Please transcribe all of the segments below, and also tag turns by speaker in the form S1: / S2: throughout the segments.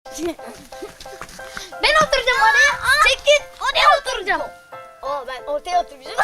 S1: Ben oturacağım oraya. Çekil. Oraya oturacağım. Ben ortaya oturacağım.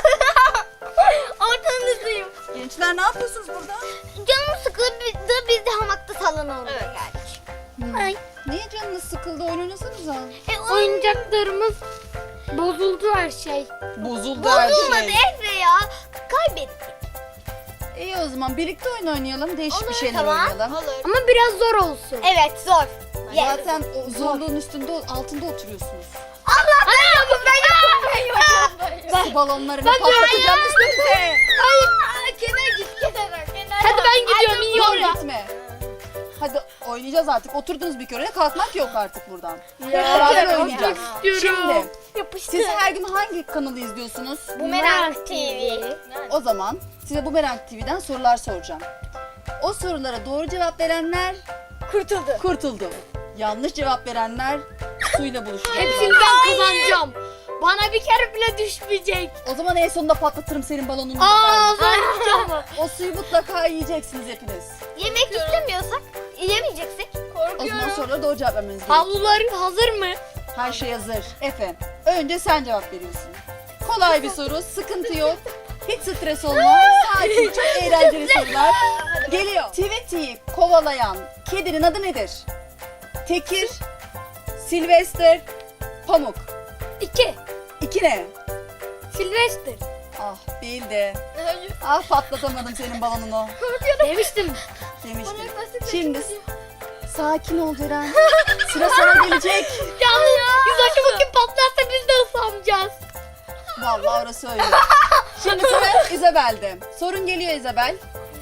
S1: Ortanın üstüyüm.
S2: Gençler ne yapıyorsunuz burada?
S1: Canım sıkıldı. Biz de hamakta sallanalım. Evet. Ay.
S2: Niye canınız sıkıldı? Oynasanıza.
S3: Oyuncaklarımız bozuldu her şey.
S2: Bozuldu her
S1: Bozulmadı
S2: şey.
S1: Efe ya. Kaybettik.
S2: İyi o zaman birlikte oyun oynayalım. Değişik bir şeyler
S1: Tamam.
S2: oynayalım.
S1: Olur.
S3: Ama biraz zor olsun.
S1: Evet zor.
S2: Zaten o zorluğun altında oturuyorsunuz.
S1: Allah ben yokum ben yokum.
S2: Su balonlarını patlatacağım üstünüze.
S1: Hayır. Kenara git kenara.
S3: Hadi ben gidiyorum, iyi
S2: Dur
S3: oyna.
S2: gitme. Hadi oynayacağız artık. Oturdunuz bir kere. Kalkmak yok artık buradan. Hep beraber oynayacağız. Şimdi
S1: Yapıştı.
S2: siz her gün hangi kanalı izliyorsunuz?
S1: Bumerang TV.
S2: O zaman size Bumerang TV'den sorular soracağım. O sorulara doğru cevap verenler
S1: Kurtuldu.
S2: kurtuldu. Yanlış cevap verenler suyla buluşacak.
S3: Hepsini ben kazanacağım. Bana bir kere bile düşmeyecek.
S2: O zaman en sonunda patlatırım senin balonunu.
S3: Ağzım.
S2: O suyu mutlaka yiyeceksiniz hepiniz.
S1: Yemek istemiyorsak yemeyeceksek.
S2: O zaman sorulara doğru cevap vermeniz gerekiyor.
S3: Havluların hazır mı?
S2: Her şey hazır. Efe, önce sen cevap veriyorsun. Kolay bir soru, sıkıntı yok. Hiç stres olma. Sakin, çok eğlenceli sorular. Geliyor. Tweety'yi kovalayan kedinin adı nedir? Tekir, Sylvester, Pamuk.
S3: 2.
S2: İki ne?
S3: Sylvester.
S2: Ah bildi. Ah patlatamadım senin balonunu.
S3: Demiştim.
S2: Demiştim. Şimdi sakin ol Ceren. Sıra sana gelecek.
S3: Yalnız yüzbaşı bugün patlarsa biz de ıslanacağız.
S2: Vallahi orası öyle. Şimdi sıra Isabel'de. Sorun geliyor Isabel.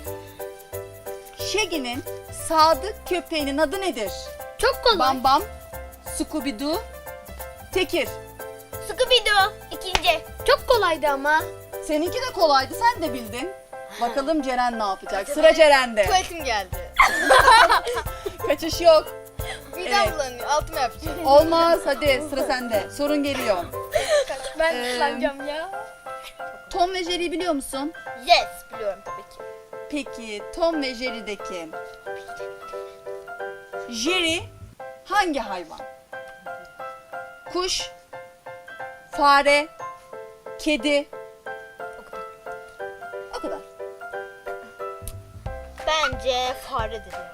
S2: Shaggy'nin sadık köpeğinin adı nedir?
S3: Çok kolay.
S2: Bam Bam, Scooby-Doo, Tekir.
S1: Scooby-Doo. İkinci.
S3: Çok kolaydı ama.
S2: Seninki de kolaydı, sen de bildin. Bakalım Ceren ne yapacak? Sıra Ceren'de.
S1: Tuvaletim geldi.
S2: Kaçış yok.
S1: Midem
S2: Evet.
S1: bulanıyor. Altıma yapacağım.
S2: Olmaz, hadi sıra sende. Sorun geliyor.
S1: Ben
S2: ıslanacağım
S1: ya.
S2: Tom ve Jerry'yi biliyor musun?
S1: Yes biliyorum tabii ki.
S2: Peki Tom ve Jerry'deki Jerry hangi hayvan? Kuş, fare, kedi. O kadar.
S1: Bence faredir ya.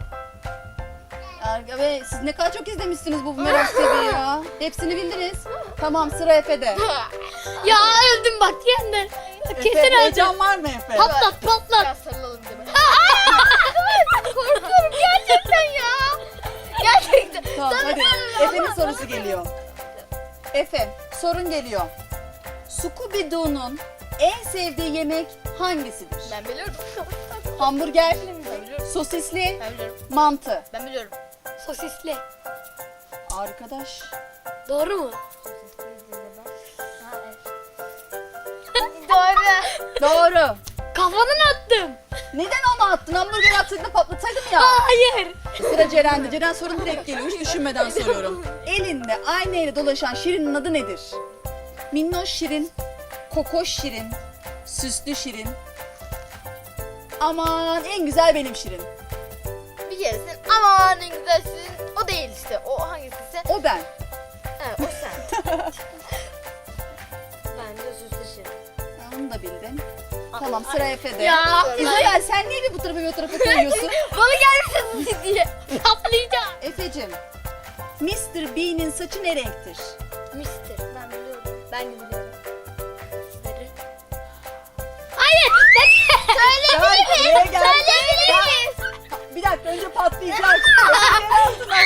S2: Ve siz ne kadar çok izlemişsiniz bu Bumerang TV'yi ya. Hepsini bildiniz. Tamam sıra Efe'de.
S3: Ya öldüm bak yeniden. Kesin
S2: Efe,
S3: öldüm.
S2: heyecan var mı Efe?
S3: Patlat patlat.
S1: Biraz sarılalım deme. Korkuyorum gerçekten ya. Gerçekten.
S2: Tamam hadi. Efe'nin sorusu geliyor. Efe sorun geliyor. Scooby-Doo'nun en sevdiği yemek hangisidir?
S1: Ben biliyorum.
S2: Hamburger,
S1: Ben biliyorum.
S2: sosisli,
S1: Ben biliyorum.
S2: mantı.
S1: Ben biliyorum.
S3: Sosisli.
S2: Arkadaş.
S3: Doğru mu?
S1: Doğru.
S2: Doğru.
S3: Kafanın attım.
S2: Neden onu attın? Hamburger atsaydın patlatsaydım ya.
S3: Hayır.
S2: Sıra Ceren'de. Ceren sorun direkt geliyor. Hiç düşünmeden soruyorum. Elinde aynayla dolaşan Şirin'in adı nedir? Minnoş Şirin, Kokoş Şirin, Süslü Şirin. Aman en güzel benim Şirin.
S1: Bir keresin aman en güzelsin. O değil işte. O hangisi?
S2: O ben.
S1: Evet o sen. Bence süslü şirin.
S2: Onu da bildin. Tamam sıra Efe'de.
S3: Ya.
S2: İzabel sen niye bir bu tarafa bir o tarafa koyuyorsun?
S1: Bana gelmesin diye.
S3: Patlayacağım.
S2: Efe'cim. Mr. B'nin saçı ne renktir?
S1: Mister. Ben biliyorum. Ben de biliyorum. Sarı.
S3: Hayır.
S2: Gel, buraya gel.
S1: Söyleyebilir miyiz?
S2: Bir dakika önce patlayacak. Efe yer altına.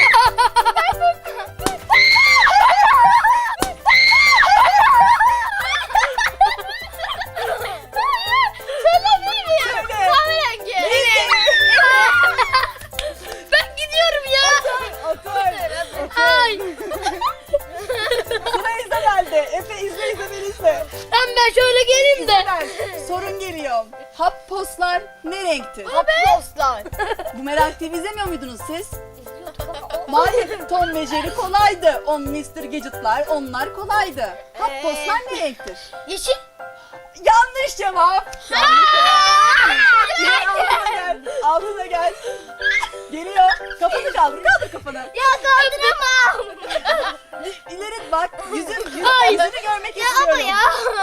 S1: Söyleyebilir miyim?
S2: Söyle.
S1: Kahverengi.
S3: Ben gidiyorum ya.
S2: Otur.
S3: Ay.
S2: Sıra İzabel'de. Efe izle İzabel izle.
S3: Ben şöyle geleyim de.
S2: İzabel sorun geliyor. Hap postlar ne renktir?
S1: Hapostlar.
S2: Bumerang TV izlemiyor muydunuz siz? Hayır, Tom ve Jerry kolaydı. Mr. Gadget'lar, onlar kolaydı. Hap postlar ne renktir?
S1: Yeşil.
S2: Yanlış cevap. Gel altına gel. Altına gel. Geliyor. Kafanı kaldır. Kaldır kafanı.
S1: Ya kaldıramam.
S2: görmek
S1: Ya
S2: istiyorum.
S1: ama ya.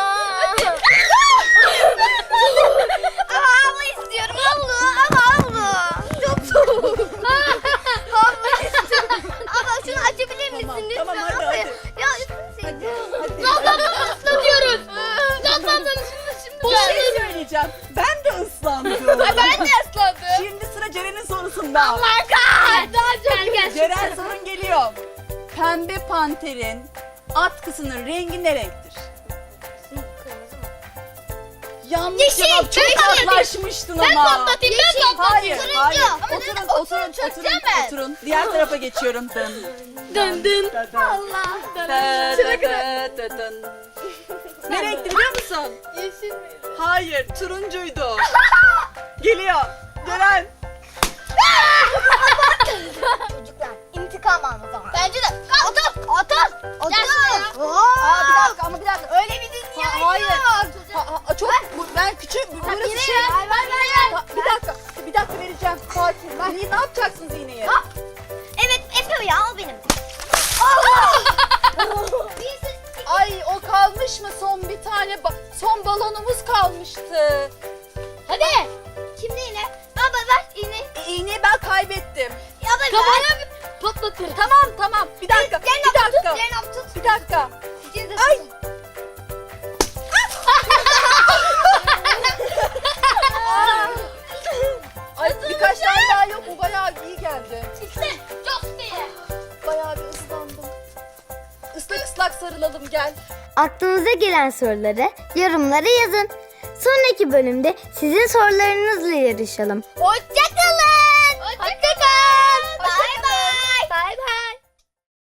S1: Ama havlu istiyorum. Havlu. Ama havlu. Çok soğuk. Havlu istiyorum. Ama şunu açabilir misin
S2: Tamam,
S1: lütfen?
S2: tamam, hadi,
S1: Ama
S2: hadi.
S1: Ya üstüne
S3: Islatıyoruz.
S2: Bir şey söyleyeceğim. Ben de ıslandım.
S3: Ben de ıslandım.
S2: Şimdi sıra Ceren'in sorusunda.
S3: Daha çok gel.
S2: Ceren sorun geliyor. Pembe panterin atkısının rengi ne renktir? Yanlış
S1: Yeşil,
S2: cevap. Çok
S1: yeşil.
S2: yaklaşmıştın
S3: Ben
S2: ama.
S3: patlatayım. Ben
S2: Hayır,
S3: patlatayım.
S2: hayır.
S1: Ama
S2: Oturun. Oturun. Diğer tarafa geçiyorum. Dın.
S3: Dın dın.
S1: Allah.
S2: Ne renkti biliyor musun?
S3: Yeşil mi?
S2: Hayır, turuncuydu. Geliyor. Ceren.
S1: Çocuklar intikam alma zamanı. Bence de. Otur. Otur.
S3: Gel
S2: Aa, bir dakika.
S1: Öyle bir dünya
S2: Hayır.
S1: yok.
S2: Çok ben küçük. Burası
S1: Yine
S2: şey. Bir dakika vereceğim. Sakin. Ne yapacaksınız iğneyi?
S1: Evet Efe ya o benim. Allah.
S2: Ay o kalmış mı? Son bir tane son balonumuz kalmıştı.
S3: Hadi.
S1: Kimde yine? Baba ver iğne.
S2: İğneyi ben kaybettim.
S1: Ya baba ver.
S3: Kafana patlatırım.
S2: Tamam. Bir dakika.
S1: Zeynep tut.
S2: Bir dakika.
S1: İkiniz de
S2: Ay.
S1: tutun.
S2: Ay birkaç tane daha yok. Bu bayağı iyi geldi.
S3: İşte çok iyi.
S2: Bayağı bir ıslandım. Islak sarılalım gel.
S1: Aklınıza gelen soruları yorumlara yazın. Sonraki bölümde sizin sorularınızla yarışalım.
S3: Hoşça